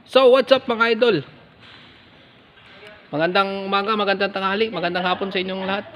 So, what's up mga idol? Magandang umaga, magandang tanghali, magandang hapon sa inyong lahat.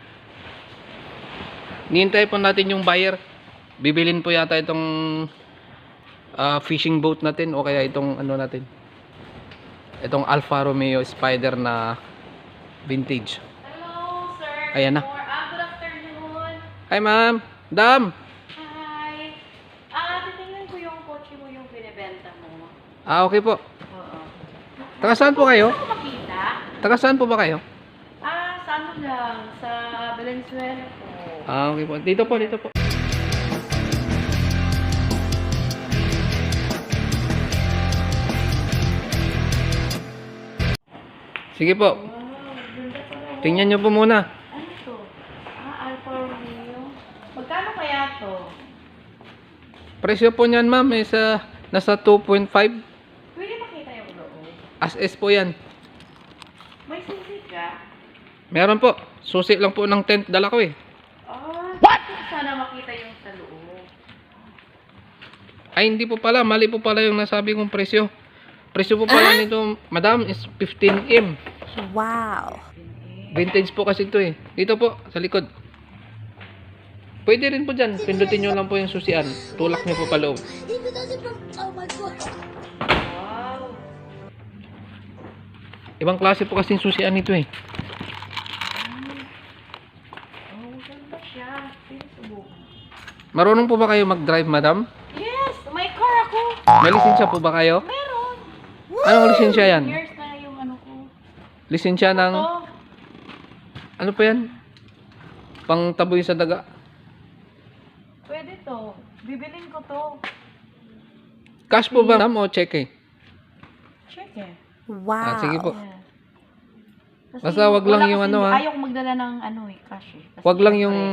Nihintay po natin yung buyer. Bibilin po yata itong fishing boat natin o kaya itong ano natin. Itong Alfa Romeo Spider na vintage. Hello, sir. Ayan na. Good afternoon. Hi ma'am. Dam. Hi. Titingnan ko yung kotse mo yung binibenta mo. Okay po. Oo. Taga saan po kayo? Gusto ko makita? Taga saan po ba kayo? Sa ano lang, sa Valenzuela po. Okay po. Dito po, dito po. Sige po. Wow, ganda pala. Tingnan nyo po muna. Ano to? Alfa Romeo. Magkano kaya to? Presyo po niyan ma'am nasa 2.5. Pwede makita yung loob. As is po yan. May susi ka? Meron po. Susi lang po ng tent. Dala ko eh. What? Sana makita yung sa loob. Ay hindi po pala. Mali po pala yung nasabi kong presyo. Presyo po pala nito madam is 15M. Wow. Vintage po kasi ito eh. Dito po sa likod. Pwede rin po dyan. Pindutin nyo lang po yung susian. Tulak nyo po paloob. Oh my God. Wow. Ibang klase po kasing susian nito eh. Oh, ganda siya. Pwede subukan. Marunong po ba kayo mag-drive madam? Yes! May car ako! May lisensya po ba kayo? Meron! Anong lisensya yan? Years na yung ano ko. Lisensya ng... Ito. Ano pa yan? Pang taboy sa daga. Pwede to. Bibilin ko to. Cash po ba madam o cheque? Check eh. Wow. Sige po. Yeah. Kasi Basta wag lang wala yung kasi- ano, Ayaw ko magdala ng ano eh, cash eh. Kasi Wag lang yung...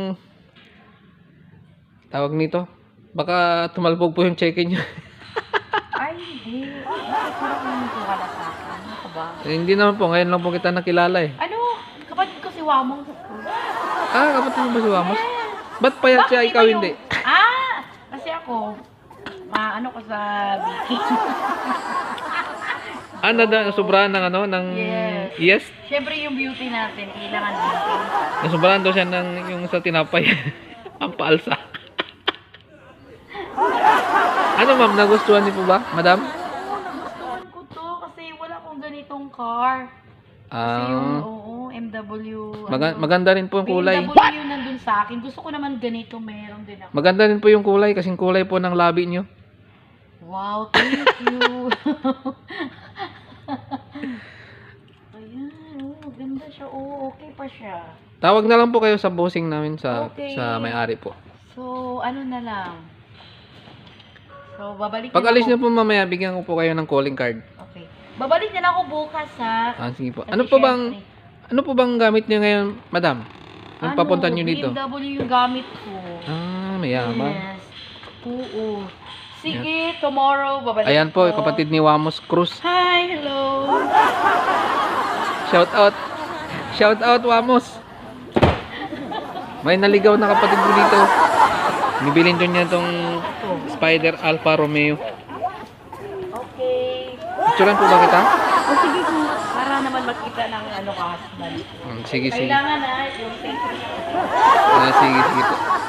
syempre- Tawag nito. Baka tumalbog po yung cheque nyo. Ay, hindi. Ay, parang naman po kala sa akin. Ano ka ba? Hindi naman po. Ngayon lang po kita nakilala eh. Ano? Kapatid ko si Wamong. Kapatid mo ba si Wamos? Ba't payat siya, ikaw hindi? Kasi ako, ano ko sa baking. Sobrahan ng ano, ng... Yes. Yes? Siyempre yung beauty natin, kailangan baking. Nasobrahan daw siya ng yung sa tinapay. Ang paalsa. Ano ma'am, nagustuhan niyo po ba, madam? Oo, nagustuhan ko to kasi wala akong ganitong car. Kasi yung, MW. Maganda rin po yung kulay. BMW yung nandun sa akin. Gusto ko naman ganito, meron din ako. Maganda rin po yung kulay, kasing kulay po ng labi niyo. Wow, thank you. Ayan, ganda siya. Okay pa siya. Tawag na lang po kayo sa bossing namin sa Okay. may-ari po. So, ano na lang. So, babalik Pag na alis ako. niyo po mamaya, bigyan ko po kayo ng calling card. Okay. Babalik na lang ako bukas, ha? Sige po. Kasi Ano po bang gamit niyo ngayon, madam? Nung papunta niyo dito? BMW yung gamit ko. Mayaman. Yes. Oo. Sige, tomorrow, babalik Ayan po, ko. kapatid ni Wamos Cruz. Hi, hello. Shout out. Shout out, Wamos. May naligaw na kapatid ko dito. Bibilin ko niya itong Spider Alfa Romeo. Okay. Picturean po ba kita? Sige po. Para naman makita ng ano ka, husband. Sige, sige. Kailangan na yung thank you. Sige, sige po.